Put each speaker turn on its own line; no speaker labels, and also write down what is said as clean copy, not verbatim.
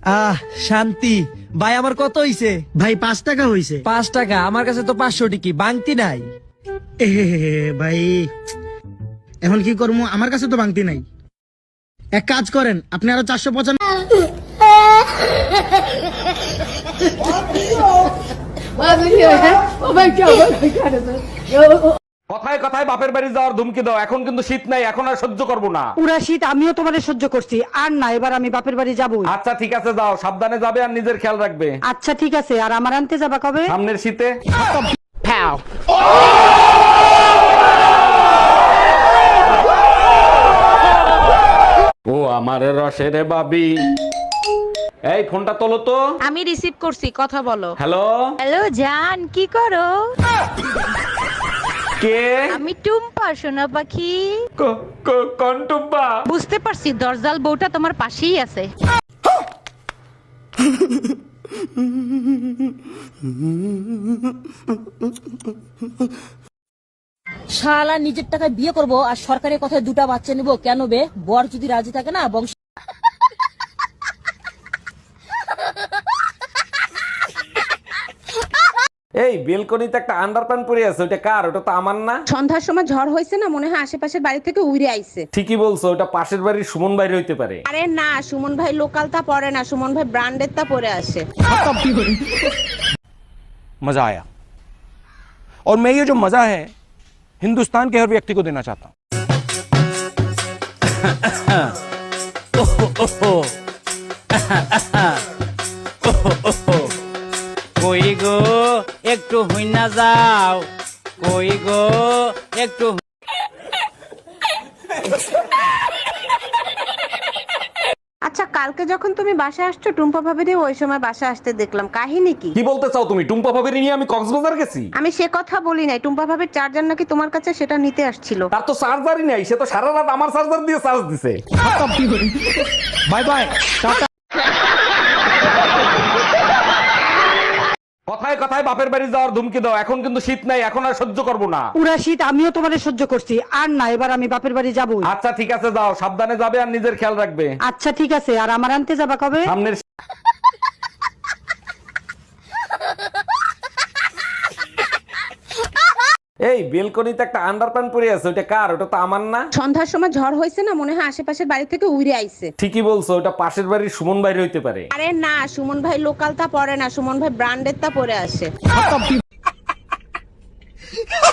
আহ শান্তি। ভাই আমার কত হইছে?
ভাই 5 টাকা হইছে।
5 টাকা? আমার কাছে তো 500 টিকি বাংতি নাই।
এ ভাই এখন কি করবো, আমার কাছে তো বাংতি নাই। এক কাজ করেন, আপনি আরো 495।
কথায় কথায় বাপের বাড়ি যাওয়ার ধুমকি দাও, এখন কিন্তু শীত নাই, এখন আর সহ্য করবো না।
পুরা শীত আমিও তোমারে সহ্য করছি, আর না এবার আমি বাপের বাড়ি যাবই।
আচ্ছা ঠিক আছে, যাও, সাবধানে যাবে আর নিজের খেয়াল রাখবে।
আচ্ছা ঠিক আছে, আর আমার আনতে যাবা কবে?
সামনের শীতে। ও আমার রসের বাবি, এই ফোনটা তোলো তো।
আমি রিসিভ করছি, কথা বলো।
হ্যালো
হ্যালো জান, কি করো?
কে?
আমি টুম্পা, সোনা পাখি।
কোন টুম্পা?
বুঝতে পারছি, দরজাল বউটা তোমার পাশেই আছে।
শালা নিজের টাকায় বিয়ে করব আর সরকারের কথায় 2টা বাচ্চা নিব কেন বে? বর যদি রাজি থাকে না বংশ।
এই বেলকনিতে একটা আন্ডারপ্যান্ট পরে আছে, ওটা কার? ওটা তো আমার না।
সন্ধ্যার সময় ঝড় হয়েছে না, মনে হয় আশেপাশের বাড়ি থেকে উড়ে আইছে।
ঠিকই বলছো, ওটা পাশের বাড়ির সুমন বাইরে হইতে পারে।
আরে না, সুমন ভাই লোকাল তা পরে না, সুমন ভাই ব্র্যান্ডের তা পরে আসে।
मजा आया और मैं ये जो मजा है हिंदुस्तान के हर व्यक्ति को देना चाहता हूं।
কই গো একটু হুইনা যাও, কই গো একটু।
আচ্ছা, কালকে যখন তুমি বাসায় আসছো, টুম্পা ভাবিরে ওই সময় বাসায় আসতে দেখলাম, কাহিনী কি?
কি বলতে চাও তুমি? টুম্পা ভাবির নিয়ে আমি কক্সবাজার গেছি?
আমি সে কথা বলি নাই, টুম্পা ভাবির চার্জার নাকি তোমার কাছে, সেটা নিতে আসছিল।
তার তো চার্জারই নাই, সে তো সারা রাত আমার চার্জার দিয়ে চার্জ দিছে।
Bye bye, tata.
কথায় কথায় বাপের বাড়ি যাওয়ার ধুমকি দাও, এখন কিন্তু শীত নাই, এখন আর সহ্য করবো না।
পুরা শীত আমিও তোমারে সহ্য করছি, আর না এবার আমি বাপের বাড়ি যাবই।
আচ্ছা ঠিক আছে, যাও, সাবধানে যাবে আর নিজের খেয়াল রাখবে।
আচ্ছা ঠিক আছে, আর আমার আনতে যাবা কবে?
সামনের এই বেলকনিতে একটা আন্ডারপ্যান্ট পরে আছে, ওটা কার? ওটা তো আমার না।
সন্ধ্যার সময় ঝড় হয়েছে না, মনে হয় আশেপাশের বাড়ি থেকে উড়ে আইছে।
ঠিকই বলছো, ওটা পাশের বাড়ির সুমন বাইরে হইতে পারে।
আরে না, সুমন ভাই লোকাল তা পরে না, সুমন ভাই ব্র্যান্ডের তা পরে আসে।